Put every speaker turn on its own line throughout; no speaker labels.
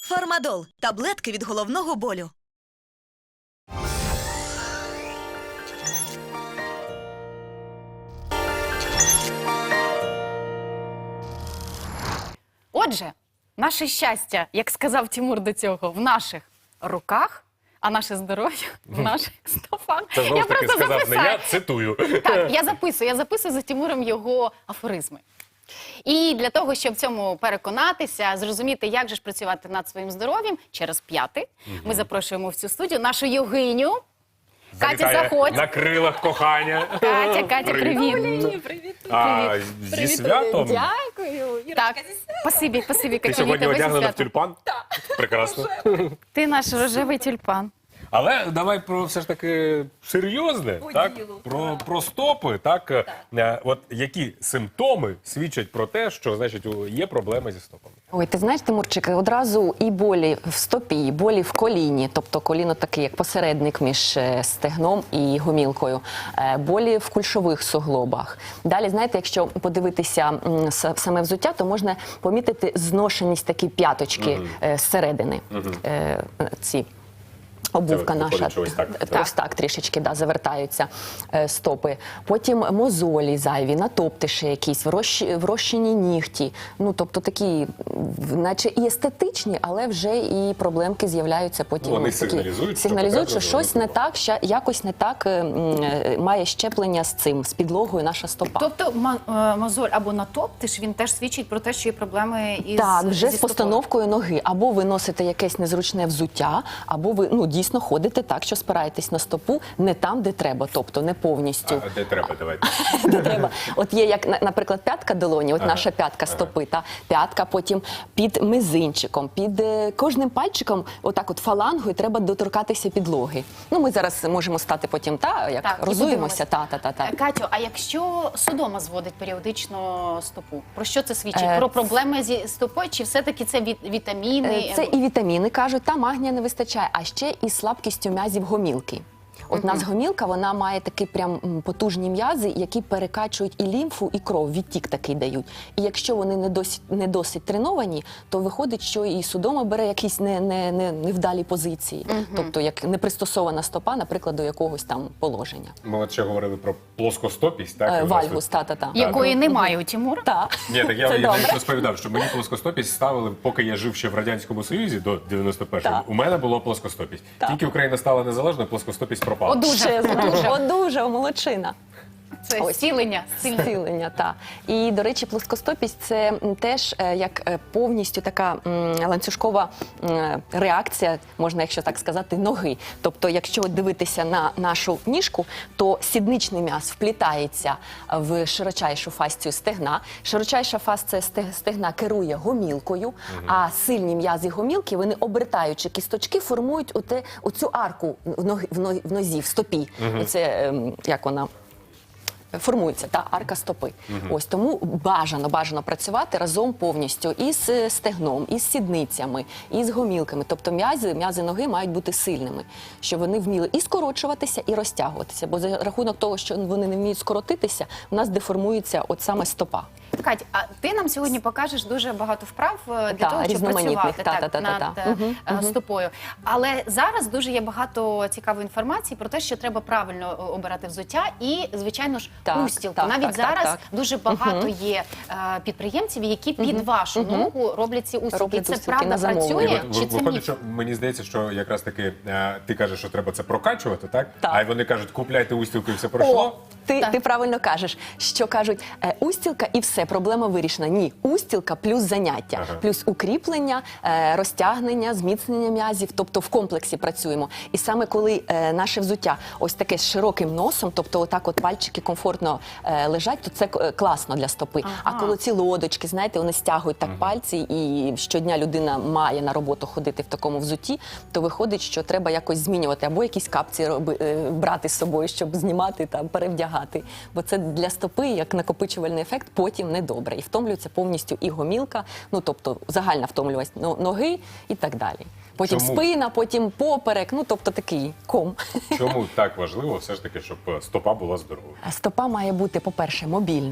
Фармадол – таблетки від головного болю.
Отже, наше щастя, як сказав Тимур до цього, в наших руках, а наше здоров'я в наших стопах.
Це знову ж таки сказав не я, цитую.
Так, я записую за Тимуром його афоризми. І для того, щоб в цьому переконатися, зрозуміти, як же ж працювати над своїм здоров'ям, через п'яти, ми запрошуємо в цю студію нашу йогиню. Катя, заходь.
На крилах кохання.
Катя, привіт.
Привіт.
Зі святом.
Дякую. Так, спасибі,
Ти
Катя,
сьогодні
тебе зі
одягнена в
святом.
тюльпан? Прекрасно.
Ти наш рожевий тюльпан.
Але давай про все ж таки серйозне,
По
так?
ділу,
Про стопи, так? От які симптоми свідчать про те, що, значить, є проблеми зі стопами?
Ой, ти знаєш, Тимурчик, одразу і болі в стопі, і болі в коліні, тобто коліно таке, як посередник між стегном і гомілкою, болі в кульшових суглобах. Далі, знаєте, якщо подивитися саме взуття, то можна помітити зношеність такі п'яточки зсередини. Ці обувка
Це
наша,
виходить, що
ось так трішечки завертаються стопи. Потім мозолі зайві, натоптиші якісь, врощені нігті. Ну, тобто такі, наче і естетичні, але вже і проблемки з'являються потім.
Вони
ось такі,
сигналізують,
сигналізують, що
що
щось не так, якось не так має щеплення з цим, з підлогою наша стопа.
Тобто мозоль або натоптиш, він теж свідчить про те, що є проблеми із
Так, вже
зі
з постановкою ноги. Або ви носите якесь незручне взуття, або ви дійсно ходите так, що спираєтесь на стопу не там, де треба, тобто не повністю.
А де треба, давайте.
Де треба. От є, як, наприклад, п'ятка долоні, от наша п'ятка стопи, та п'ятка потім під мизинчиком, під кожним пальчиком, отак от фалангою треба доторкатися підлоги. Ну, ми зараз можемо стати потім, як
Так, і
розуємося.
Катю, а якщо судома зводить періодично стопу, про що це свідчить? Про проблеми зі стопою, чи все-таки це вітаміни?
Це і вітаміни, кажуть, та магнія не вистачає, а ще і слабкістю м'язів гомілки. От у нас гомілка, вона має такі прям потужні м'язи, які перекачують і лімфу, і кров, відтік такий дають. І якщо вони не досить треновані, то виходить, що і судома бере якісь невдалі позиції. Тобто, як непристосована стопа, наприклад, до якогось там положення.
Ми от ще говорили про плоскостопість, так?
Вальгус, та.
Якої немає у Тимура?
Так.
Ні, так я
добре.
навіть розповідав, що мені плоскостопість ставили, поки я жив ще в Радянському Союзі до 91-го, у мене було плоскостопість. Тільки Україна стала незалежною, плоскостопість пропала.
Одужав, молодчина.
Це зцілення.
Зцілення, так. І, до речі, плоскостопість – це теж як повністю така ланцюжкова реакція, можна, якщо так сказати, ноги. Тобто, якщо дивитися на нашу ніжку, то сідничний м'яз вплітається в широчайшу фасцію стегна. Широчайша фасція стегна керує гомілкою, а сильні м'язи гомілки, вони, обертаючи кісточки, формують оцю арку в нозі, в стопі. Оце, як вона формується, та арка стопи. Ось тому бажано працювати разом повністю із стегном, із сідницями, із гомілками. Тобто м'язи ноги мають бути сильними, щоб вони вміли і скорочуватися, і розтягуватися. Бо за рахунок того, що вони не вміють скоротитися, у нас деформується от саме стопа.
Кать, а ти нам сьогодні покажеш дуже багато вправ для того, щоб
різноманітних,
працювати над стопою. Але зараз дуже є багато цікавої інформації про те, що треба правильно обирати взуття і, звичайно ж, устілку. Навіть зараз дуже багато є підприємців, які під вашу ногу роблять ці устілки. Це правда працює? Чи це
Виходить,
міф?
що мені здається, що якраз таки ти кажеш, що треба це прокачувати, так?
Так.
А вони кажуть, купляйте устілку і все пройшло.
Ти правильно кажеш, що кажуть, устілка і все, проблема вирішена. Ні, устілка плюс заняття, плюс укріплення, розтягнення, зміцнення м'язів, тобто в комплексі працюємо. І саме коли наше взуття ось таке з широким носом, тобто отак от пальчики комфортно лежать, то це класно для стопи. А коли ці лодочки, знаєте, вони стягують так пальці, і щодня людина має на роботу ходити в такому взутті, то виходить, що треба якось змінювати, або якісь капці брати з собою, щоб знімати та перевдягати. Бо це для стопи, як накопичувальний ефект, потім недобре. І втомлюється повністю і гомілка, ну тобто загальна втомлюваність ноги і так далі. Потім спина, потім поперек, ну тобто такий ком.
Чому так важливо все ж таки, щоб стопа була здоровою?
Стопа має бути, по-перше, мобільною.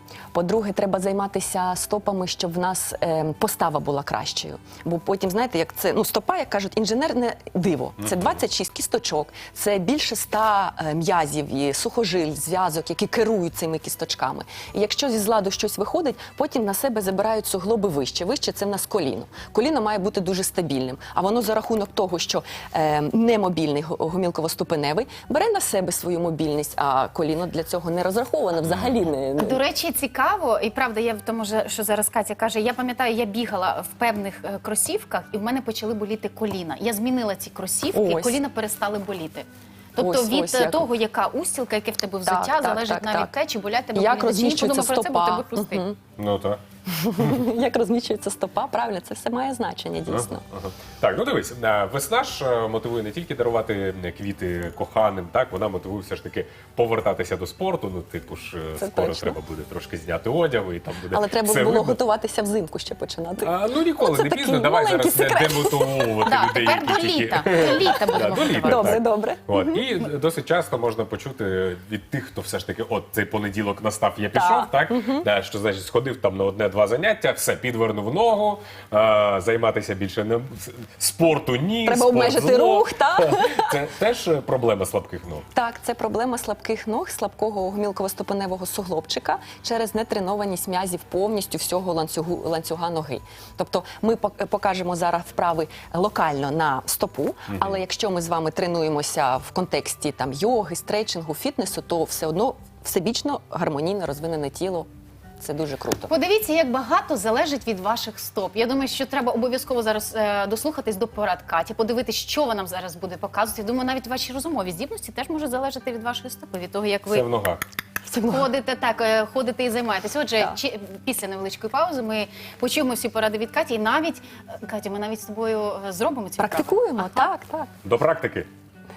По-друге, треба займатися стопами, щоб в нас постава була кращою. Бо потім, знаєте, як це, стопа, як кажуть, інженерне диво. Це 26 кісточок, це більше 100 м'язів і сухожиль, зв'язок, які керують цими кісточками. І якщо зі зладу щось виходить, потім на себе забирають суглоби вище. Вище – це в нас коліно. Коліно має бути дуже стабільним. А воно за рахунок того, що немобільний гомілково-ступеневий, бере на себе свою мобільність, а коліно для цього не розраховане взагалі.
До речі, цікаво, і правда, я в тому, що зараз Катя каже, я пам'ятаю, я бігала в певних кросівках, і в мене почали боліти коліна. Я змінила ці кросівки, і коліна перестали боліти. Тобто від того, яка устілка, яке в тебе взуття, залежить навіть те, чи болять тебе коліна.
Як розміщується стопа.
Ну так.
Як розміщується стопа, правильно, це все має значення, дійсно.
Так, ну дивись, весна ж мотивує не тільки дарувати квіти коханим, так, вона мотивує все ж таки повертатися до спорту, типу ж скоро треба буде трошки зняти одяг, і там буде
Але треба
все
було
видно.
готуватися взимку ще починати.
Ніколи не пізно, давай зараз не демотивовувати людей,
тепер до літа. До літа будемо готувати.
Добре.
І досить часто можна почути від тих, хто все ж таки, цей понеділок настав, я пішов, так? Що, значить, сходив там на одне-два заняття, все, підвернув ногу, займатися більше не спорту ні,
треба
спорт
обмежити
зло.
рух, так?
Це теж проблема слабких ног.
Так, це проблема слабких ног, слабкого гомілково-ступеневого суглобчика через нетренованість м'язів повністю всього ланцюга ноги. Тобто ми покажемо зараз вправи локально на стопу, але якщо ми з вами тренуємося в контексті там йоги, стретчингу, фітнесу, то все одно всебічно гармонійно розвинене тіло. Це дуже круто.
Подивіться, як багато залежить від ваших стоп. Я думаю, що треба обов'язково зараз дослухатись до порад Каті, подивитися, що вона нам зараз буде показувати. Я думаю, навіть ваші розумові здібності теж можуть залежати від вашої стопи, від того, як ви
Все в ногах.
ходите і займаєтесь. Отже, після невеличкої паузи ми почуємо всі поради від Каті. І навіть, Катя, ми навіть з тобою зробимо цю
Практикуємо, так.
До практики.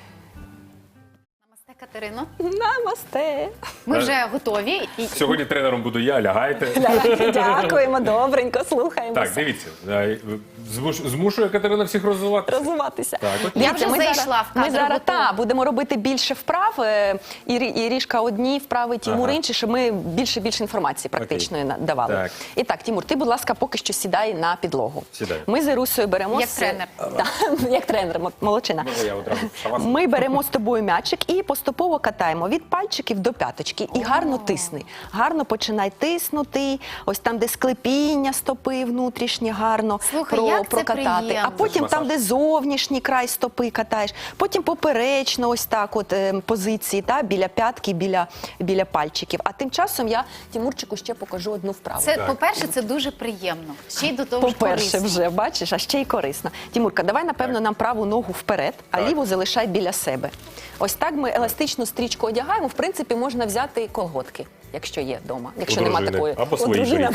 Намасте, Катерино.
Намасте.
Ми вже готові.
Сьогодні тренером буду я, лягайте.
Дякуємо, добренько, слухаємося.
Так, дивіться, змушує Катерина всіх розвиватися.
Так.
Я вже зайшла в кадр.
Ми зараз
готова.
будемо робити більше вправ. Ірішка одні вправи, Тімур інші, щоб ми більше інформації практичної давали.
Так.
І так, Тімур, ти, будь ласка, поки що сідай на підлогу.
Сідаю.
Ми з Ірусею беремо...
Як тренер.
Як тренер, молодчина.
Я одразу шавасану.
Ми беремо з тобою м'ячик і поступово катаємо від пальчиків до п'яточки. І гарно тисни. Гарно починай тиснути. Ось там, де склепіння стопи внутрішнє, гарно
Слухай, як це
прокатати.
приємно.
А потім
Масаж.
там, де зовнішній край стопи катаєш. Потім поперечно ось так от позиції, біля п'ятки, біля пальчиків. А тим часом я Тімурчику ще покажу одну вправу.
Це, по-перше, це дуже приємно. Ще й до того ж
По-перше,
корисно.
вже, бачиш, а ще й корисно. Тімурка, давай, напевно, нам праву ногу вперед, а ліву залишай біля себе. Ось так ми еластичну стрічку одягаємо. В принципі, можна взяти колготки, якщо є вдома. Якщо нема такої.
Або свої
дружина.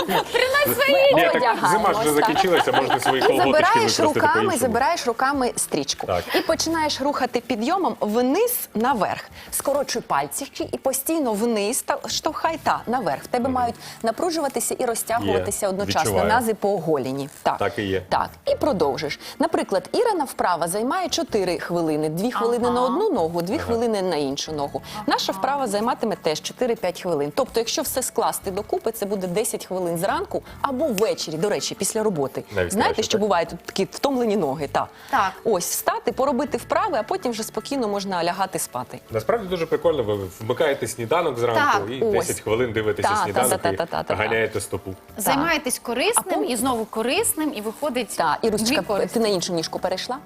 Ні, так зима ж вже закінчилася, можете свої колготочки використати по-іншому.
Забираєш руками стрічку.
Так.
І починаєш рухати підйомом вниз, наверх. Скорочуй пальчики і постійно вниз, штовхай наверх. В тебе мають напружуватися і розтягуватися
Є,
одночасно
відчуваю.
нази по оголені.
Так і є.
Так, і продовжиш. Наприклад, Ірина вправа займає 4 хвилини. 2 хвилини на одну ногу, 2 хвилини на іншу ногу. Наша вправа займатиме теж 4-5 хвилин. Тобто, якщо все скласти докупи, це буде 10 хвилин зранку або ввечері, до речі, після роботи.
Навіть
Знаєте,
краще,
що
так?
бувають тут такі втомлені ноги?
Так.
Ось, встати, поробити вправи, а потім вже спокійно можна лягати спати.
Насправді дуже прикольно, ви вмикаєте сніданок зранку
Так,
і
ось.
10 хвилин дивитеся сніданок і ганяєте стопу.
Займаєтесь корисним
А
і знову корисним, і виходить
Так, Ірусечка,
дві користі.
ти на іншу ніжку перейшла?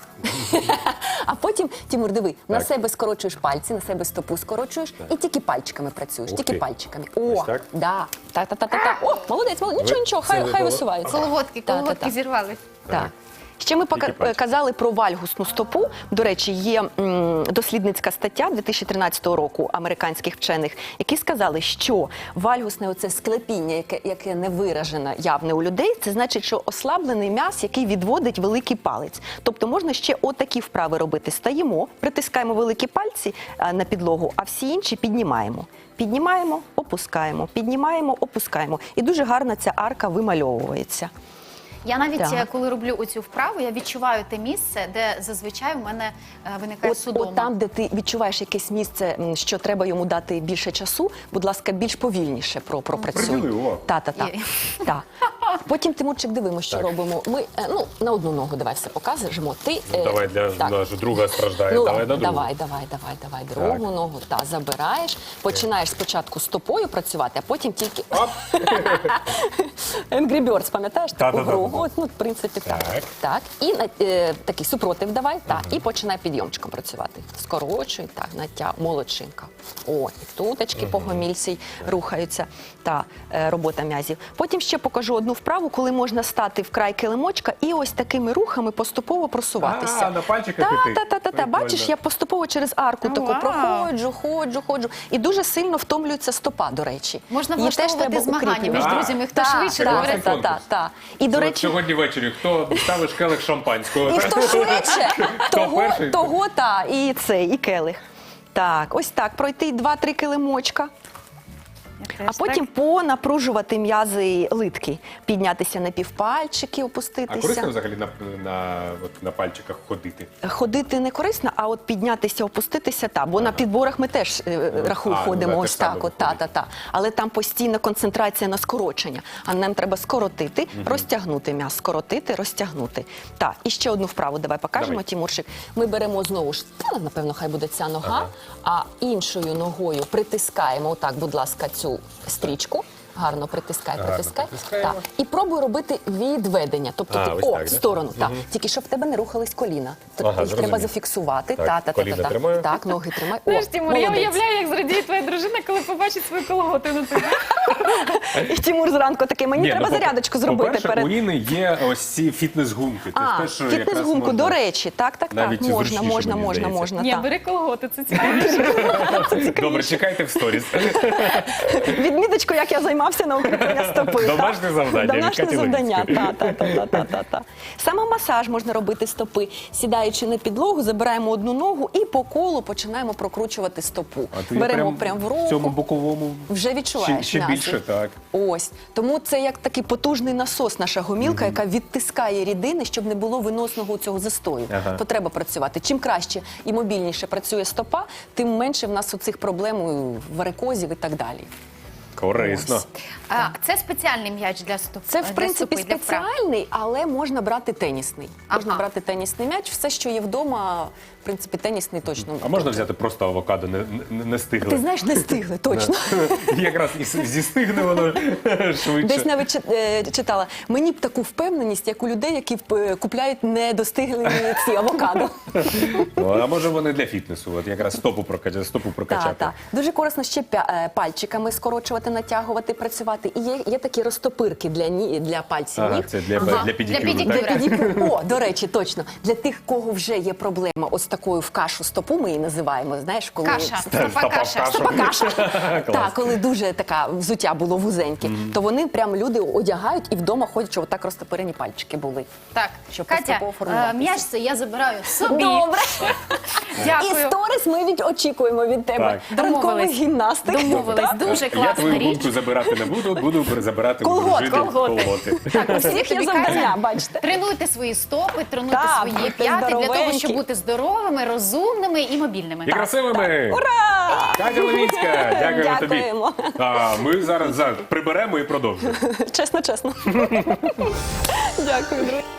А потім, Тімур, диви, на
Так.
себе скорочуєш пальці, на себе стопу скорочуєш і тільки пальчиками працюєш,
Ух
тільки
ти.
пальчиками.
Ось
О,
так?
да. Так. О, молодець, нічого,
це
хай
ви
висувається.
Колготки зірвались.
Так. Ще ми
Тільки пальчики.
казали про вальгусну стопу. До речі, є дослідницька стаття 2013 року американських вчених, які сказали, що вальгусне оце склепіння, яке не виражено явне у людей, це значить, що ослаблений м'яз, який відводить великий палець. Тобто можна ще отакі вправи робити. Стаємо, притискаємо великі пальці на підлогу, а всі інші піднімаємо. Піднімаємо, опускаємо, піднімаємо, опускаємо. І дуже гарно ця арка вимальовується.
Я навіть,
Так.
коли роблю оцю вправу, я відчуваю те місце, де зазвичай у мене виникає судома.
От там, де ти відчуваєш якесь місце, що треба йому дати більше часу, будь ласка, більш повільніше пропрацюй.
Приділи увагу.
Та. Потім, Тимурчик, дивимо, що робимо. Ми на одну ногу давай все покажемо. Ти
Давай, наша друга страждає.
Ну,
Давай на другу.
давай. Другу ногу забираєш. Починаєш спочатку стопою працювати, а потім тільки
Оп.
Angry Birds, пам'ятаєш таку
Та-та-та.
гру? От, в принципі, так. Так. І такий супротив давай, і починай підйомчиком працювати. Скорочуй, так, молодчинка. О, і туточки по гомільці рухаються. Робота м'язів. Потім ще покажу одну вправу, коли можна стати в край килимочка і ось такими рухами поступово просуватися.
На пальчиках іти.
Та. Бачиш, я поступово через арку таку
Вау.
проходжу, ходжу. І дуже сильно втомлюється стопа, до речі.
Можна
Її теж
влаштовувати
треба
змагання між
укріплювати.
друзями, хто
Так,
швидше
так,
говорить.
конкурс.
так. І, до
От
речі,
сьогодні ввечері хто ставиш келих шампанського?
і хто швидше,
перший?
того, і келих. Так, ось так, пройти 2-3 килимочка. А потім понапружувати м'язи литки, піднятися на півпальчики,
А
опуститися.
корисно взагалі на пальчиках ходити?
Ходити не корисно, а от піднятися, опуститися, бо на підборах ми теж ходимо
те
ось
ж саме
так,
виходить.
Але там постійна концентрація на скорочення, а нам треба скоротити, розтягнути м'яз, скоротити, розтягнути. І ще одну вправу давай покажемо,
Давай.
Тімурчик. Ми беремо знову ж, напевно, хай буде ця нога, а іншою ногою притискаємо, отак, будь ласка, цю стрічку. Гарно притискай.
притискаємо.
І пробуй робити відведення. Тобто
ось так,
в
да?
сторону. Тільки щоб в тебе не рухались коліна. Їх
зрозумів.
треба зафіксувати.
Так, коліна тримаю.
Так, ноги тримай.
Знаєш, Тимур, я
молодець.
уявляю, як зрадіє твоя дружина, коли побачить свою колготи на тобі.
І Тимур зранку такий, мені треба зарядочку зробити
По-перше,
перед...
у Іни є ось ці фітнес-гумки. Це ж якраз
фітнес-гумку,
можна
до речі. Так.
навіть зручніше, мені здається.
Ні,
так.
бери колготи, це цікаво.
Добре, чекайте в сторіс.
Відміточку, як я займався на укріплення стопи.
Домашнє завдання від
Домашнє
Каті
завдання.
Левицької.
Та. Самомасаж можна робити стопи. Сідаючи на підлогу, забираємо одну ногу і по колу починаємо прокручувати стопу.
А ти
Беремо прям в руку.
в цьому боковому
Вже відчуваєш
ще
м'язи.
більше, так.
Ось. Тому це як такий потужний насос, наша гомілка, яка відтискає рідини, щоб не було виносного цього застою.
Ага.
То треба працювати. Чим краще і мобільніше працює стопа, тим менше в нас оцих проблем, варикозів і так далі.
Корисно.
Ось.
Це спеціальний м'яч для стопи.
Це, в принципі,
для вправ.
спеціальний, але можна брати тенісний. Можна
Ага.
брати тенісний м'яч. Все, що є вдома, в принципі, тенісний точно.
А можна взяти просто авокадо, не
Ти
стигле?
знаєш, не стигли, точно.
Якраз і зістигне воно швидше.
Десь навіть читала, мені б таку впевненість, як у людей, які купляють недостиглі ці авокадо.
Ну, а може вони для фітнесу, от якраз стопу прокачати.
Так. Дуже корисно ще пальчиками скорочувати, натягувати, працювати. І є такі розтопирки для пальців
Ага,
ніг.
це для педикюру,
педикюру.
так?
Для підіпу. О, до речі, точно. Для тих, кого вже є проблема ось такою в кашу стопу, ми її називаємо, знаєш, коли...
Каша,
Стопа
стопа каша.
каша.
Стопа каша.
Клас.
Так, коли дуже така взуття було вузеньке, то вони прям люди одягають і вдома ходять, щоб отак розтопирені пальчики були.
Так,
Щоб
Катя,
поступово формуватися.
м'яч це я забираю собі.
Добре. І
Дякую.
сторіс ми очікуємо від тебе.
Так.
Ранкових
Домовились.
гімнастик.
Домовились. Дуже
Я
класна
твою
річ.
гумку забирати не буду забирати у
Колготи.
колготи.
Так, у всіх є
Тобі,
завдання,
Катя,
бачите.
Тренуйте свої стопи, тренуйте
Так,
свої
будьте
п'яти для того,
здоровенькі.
щоб бути здоровими, розумними і мобільними.
І красивими!
Ура!
Катя Левицька, дякуємо тобі.
Дякуємо.
А ми зараз приберемо і продовжимо.
Чесно. Дякую, друзі.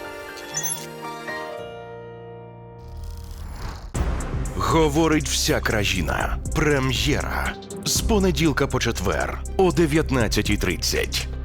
Говорить вся країна. Прем'єра. З понеділка по четвер о 19:30.